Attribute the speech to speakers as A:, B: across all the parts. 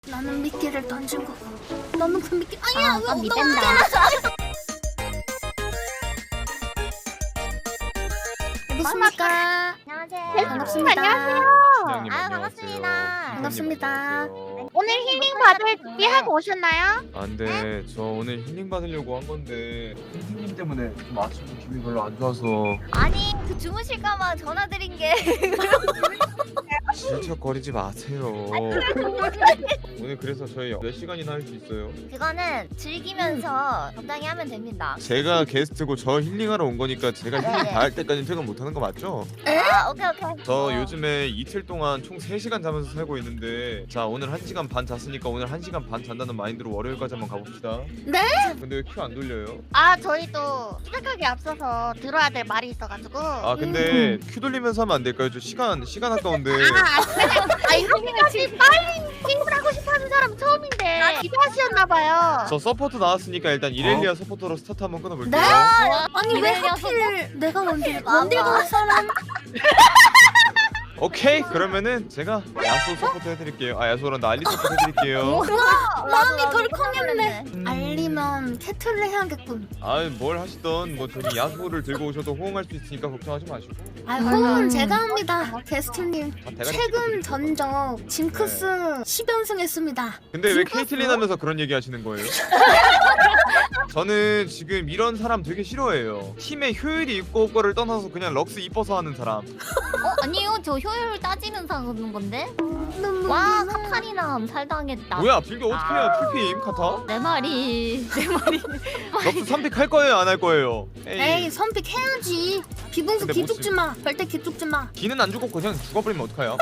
A: 나는 미끼를 던진 거고 너는 그 미끼 아니야 왜
B: 믿는다.
A: 어딨습니까?
B: 안녕하세요.
A: 반갑습니다.
C: 시장님
B: 아유,
C: 안녕하세요.
B: 반갑습니다.
C: 선생님
A: 반갑습니다.
C: 안녕하세요.
B: 오늘 힐링 받을 준비하고 오셨나요?
C: 아, 근데 저 오늘 힐링 받으려고 한 건데 선생님 때문에 좀 아침에 기분이 별로 안 좋아서
B: 아니 그 주무실까봐 전화드린 게
C: 질척거리지 마세요. 오늘 그래서 저희 몇 시간이나 할 수 있어요?
B: 그거는 즐기면서 적당히 하면 됩니다.
C: 제가 게스트고 저 힐링하러 온 거니까 제가 힐링 다 할 때까지 퇴근 못 하는 거 맞죠?
B: 아 오케이.
C: 저 요즘에 이틀 동안 총 3시간 자면서 살고 있는데 자 오늘 1시간 반 잤으니까 오늘 1시간 반 잔다는 마인드로 월요일까지 한번 가봅시다.
A: 네?
C: 근데 왜 큐 안 돌려요?
D: 아 저희도 시작하기 앞서서 들어야 될 말이 있어가지고
C: 아 근데 큐 돌리면서 하면 안 될까요? 저 시간 아까운데.
D: 아 이렇게까지 빨리 게임을 하고 싶어하는 사람 처음인데 기대하셨나봐요.
C: 저 서포터 나왔으니까 일단 이렐리아 서포터로 스타트 한번 끊어볼게요.
A: 네? 아니 왜
B: 이래요,
A: 하필 내가 원딜
B: 맞아.
A: 갈 사람
C: 오케이 그러면은 제가 야수 서포터 해드릴게요. 아 야수란다 알리 서포터 해드릴게요.
A: 마음이 덜컹했네. 알리면 캐틀을 해야겠군.
C: 아뭘 하시던 뭐 저기 야수를 들고 오셔도 호응할 수 있으니까 걱정하지 마시고.
A: 아 호응은 제가 합니다. 게스트님
C: 아, 대가리
A: 최근
C: 찍어드릴게요.
A: 전적 징크스 10연승 했습니다.
C: 근데 왜
A: 징크스?
C: 케이틀린 하면서 그런 얘기 하시는 거예요? 저는 지금 이런 사람 되게 싫어해요. 팀의 효율이 있고 없고를 떠나서 그냥 럭스 이뻐서 하는 사람.
B: 아니요 저 효율 따지면서 하는 건데. 와 카타리나 살당했다.
C: 뭐야 빌드 어떻게 해요? 풀피임 카타?
B: 내 말이
C: 럭스 3픽 할 거예요 안 할 거예요?
A: 에이 선픽 해야지. 비봉수
C: 근데
A: 기죽지 마. 절대 기죽지 마.
C: 기는 안 죽고 그냥 죽어버리면 어떡해요?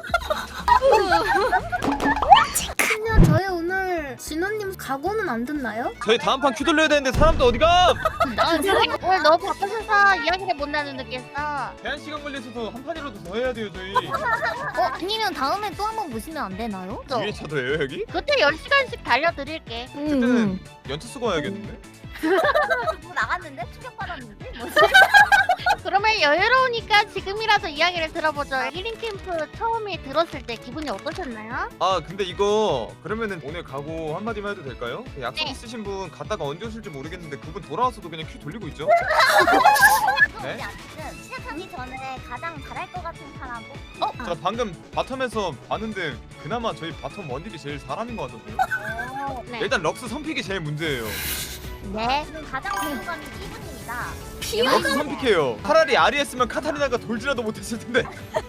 A: 그냥 저희 오늘 진호님 각오는 안 듣나요?
C: 저희 다음 판 큐 돌려야 되는데 사람도 어디가?
D: 오늘 너무 바쁘셔서 이야기를 못 나누겠어.
C: 제한 시간 걸려서도 한 판이라도 더 해야 돼요 저희.
B: 아니면 다음에 또 한번 보시면 안 되나요?
C: 위에 차도예요 여기?
D: 그때 10시간씩 달려드릴게.
C: 그때는 연차 쓰고 와야겠는데?
B: 뭐 나갔는데 충격 받았는데.
D: 그러면 여유로우니까 지금이라도 이야기를 들어보죠. 힐링 캠프 처음에 들었을 때 기분이 어떠셨나요?
C: 아 근데 이거 그러면은 오늘 가고 한마디만 해도 될까요? 그 약속
D: 네.
C: 있으신 분 갔다가 언제 오실지 모르겠는데 그분 돌아와서도 그냥 큐 돌리고 있죠? 네?
B: 어쨌든 시작하기 전에 가장 잘할 것 같은 사람.
C: 저 방금 바텀에서 봤는데 그나마 저희 바텀 원딜이 제일 잘하는 것 같던데요?
D: 네.
C: 일단 럭스 선픽이 제일 문제예요.
D: 네.
B: 지금 가장 궁금한 이분입니다.
C: 럭스 선픽해요. 차라리 아리했으면 카타리나가 돌지라도 못했을 텐데.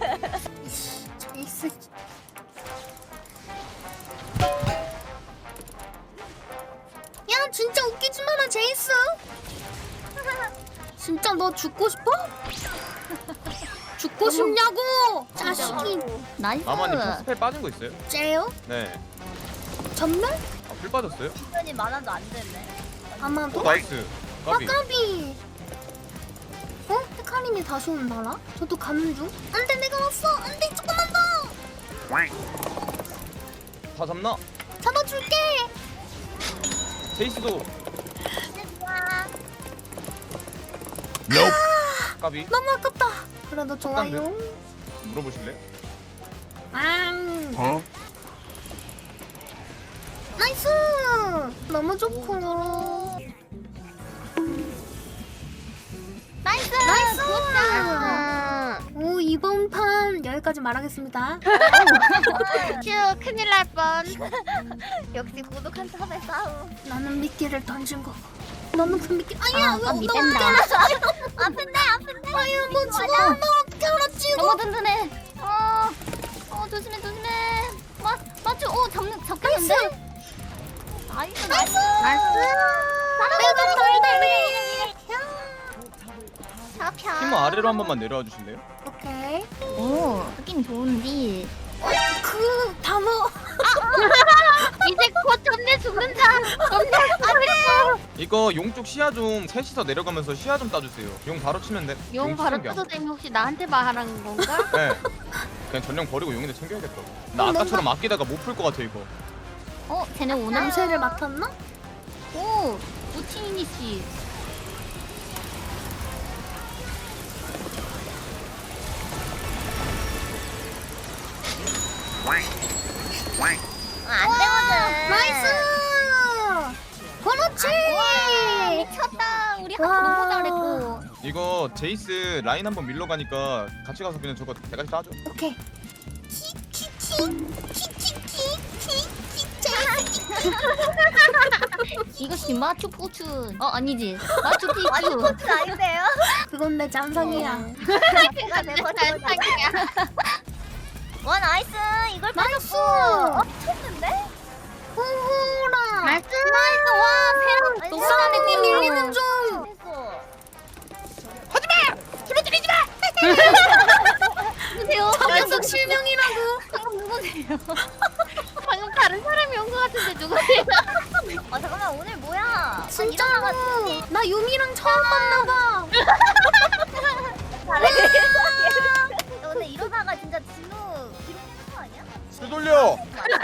A: 제이스. 야 진짜 웃기지 마라 제이스. 진짜 너 죽고 싶어? 죽고 싶냐고 자식이.
B: 나이스.
C: 마마님 스펠 빠진 거 있어요?
A: 째요?
C: 네.
A: 전멸?
C: 풀 빠졌어요?
B: 시간이 많아도 안 됐네.
A: 아마도?
C: 나이스. 까비.
A: 까비. 어? 헤카림이 다시 온다라? 저도 가는 중? 안돼 내가 왔어! 안돼 조금만 더!
C: 다 잡나?
A: 잡아줄게!
C: 제이스도. 까비.
A: 너무 아깝다. 그래도 좋아요.
C: 물어보실래?
A: 앙. 나이스! 너무 좋고.
B: 나이스.
A: 나이스!
B: 굿.
A: 오 이번 판 여기까지 말하겠습니다.
D: 휴 큰일 날 뻔.
B: 역시 고독한 탑의 싸움.
A: 나는 미끼를 던진 거고. 너는 그 미끼 아니야 왜
B: 믿는다. 아픈데.
A: 아야 너 죽어 너 어떻게 알았지 이거
B: 너무 든든해. 조심해. 맞죠? 잡겠는데? 나이스.
D: 나이스.
A: 내가 달달해
C: 팀 아래로 한 번만 내려와 주실래요?
A: 오케이
B: 오, 느낌 좋은데.
A: 그 단어
D: 이제 곧 전내 죽는다.
C: 이거 용 쪽 시야 좀 셋이서 내려가면서 시야 좀 따주세요. 용 바로 치면 돼.
D: 용 바로
C: 챙겨.
D: 떠도 되면 혹시 나한테 말하는 건가?
C: 네. 그냥 전령 버리고 용인데 챙겨야겠다. 나 아까처럼 아끼다가 못 풀 것 같아 이거.
B: 쟤네 오나?
A: 냄새를 맡았나?
B: 오, 우치니 씨. 안 되거든. 너무 잘했고.
C: 이거 제이스 라인 한번 밀러 가니까 같이 가서 그냥 저거 대가리 따줘.
A: 오케이.
B: 이것이 마추포춘. 아니지. 마추픽추.
E: 마추포춘 아닌데요?
A: 그건 내 잔상이야.
E: 내가 내
D: 잔상이야.
E: 와 나이스 이걸
A: 나이스.
E: 쳤는데?
A: 호호라.
D: 나이스.
B: 와, 새로운
E: 나이스.
A: 독사님이 밀리는 중.
E: 했어.
B: 누구세요?
A: 저 녀석 실명이라고.
B: 방금 누구세요?
D: 방금 다른 사람이 온 것 같은데 누구세요?
E: 잠깐만 오늘 뭐야?
A: 진짜로. 나 유미랑 처음 만나봐.
E: 오늘 이러다가 진짜 진우 기록되는 거 아니야?
C: 술 돌려.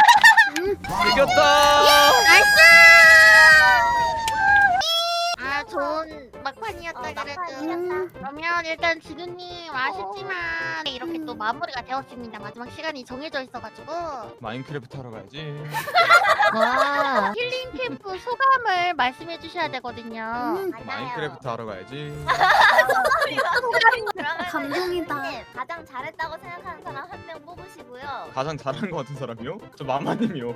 C: 이겼다.
D: 아 좋은 막판이었다 그래도.
E: 막판이었다.
D: 그러면 일단 진우님 아쉽지만 이렇게 또 마무리가 되었습니다. 마지막 시간이 정해져 있어가지고
C: 마인크래프트 하러 가야지.
B: 와.
D: 힐링 캠프 소감을 말씀해 주셔야 되거든요.
C: 마인크래프트 하러 가야지.
A: 감동이다.
E: 가장 잘했다고 생각하는 사람 한 명 뽑으시고요.
C: 가장 잘한 것 같은 사람이요? 저 마마님이요.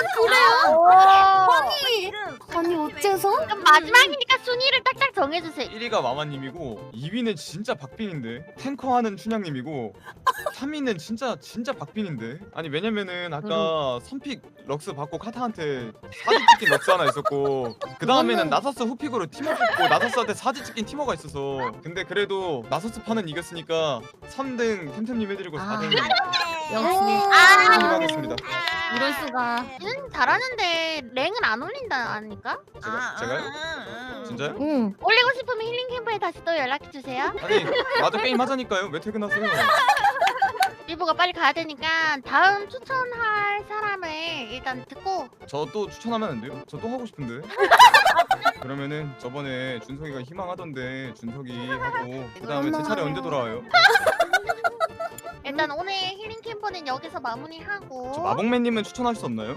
A: 아니 어째서?
D: 그럼 마지막이니까 순위를 딱딱 정해주세요.
C: 1위가 마마님이고 2위는 진짜 박빙인데 탱커하는 춘향님이고 3위는 진짜 박빙인데. 아니 왜냐면은 아까 선픽 럭스 받고 카타한테 사지 찍힌 럭스 하나 있었고 그 다음에는 나서스 후픽으로 티머 뽑고 나서스한테 사지 찍힌 티머가 있어서 근데 그래도 나서스 판은 이겼으니까 3등 템템님 해드리고 4등
B: 역시.
C: 하겠습니다.
B: 이럴 수가.
D: 진우님 잘하는데 랭은 안 올린다 아닙니까?
C: 제가요? 진짜요?
B: 응.
D: 올리고 싶으면 힐링 캠프에 다시 또 연락해 주세요.
C: 아니 나도 게임 하자니까요. 왜 퇴근하세요?
D: 일부가 빨리 가야 되니까 다음 추천할 사람을 일단 듣고
C: 저 또 추천하면 안 돼요? 저 또 하고 싶은데. 그러면은 저번에 준석이가 희망하던데 준석이 하고 그 다음에 제 차례 언제 돌아와요?
D: 일단 오늘 힐링 캠프는 여기서 마무리하고
C: 저 마봉맨님은 추천할 수 없나요?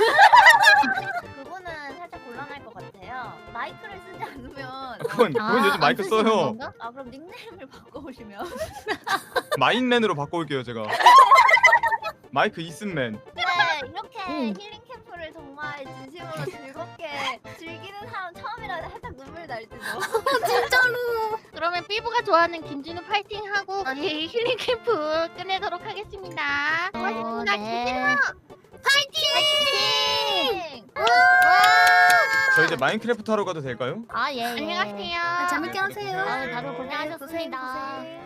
E: 그분은 살짝 곤란할 것 같아요. 마이크를 쓰지 않으면
C: 그건 요즘 마이크
B: 안 쓰시는
C: 써요.
B: 건가?
E: 그럼 닉네임을 바꿔오시면
C: 마인맨으로 바꿔올게요 제가. 마이크 이슨맨.
E: 네 이렇게
B: 응.
E: 힐링 캠프를 정말 진심으로 즐겁게 즐기는 사람 처음이라 살짝 눈물 날지도.
A: 진짜로.
D: 그러면 삐부가 좋아하는 김진우 파이팅하고 이 힐링 캠프 끝내도록 하겠습니다. 고맙습니다.
B: 네.
D: 김진우
E: 파이팅!
C: 저 이제 마인크래프트 하러 가도 될까요?
B: 아, 예.
D: 안녕하세요.
A: 재밌게 하세요.
B: 아, 다들 고생하셨습니다.
A: 고생.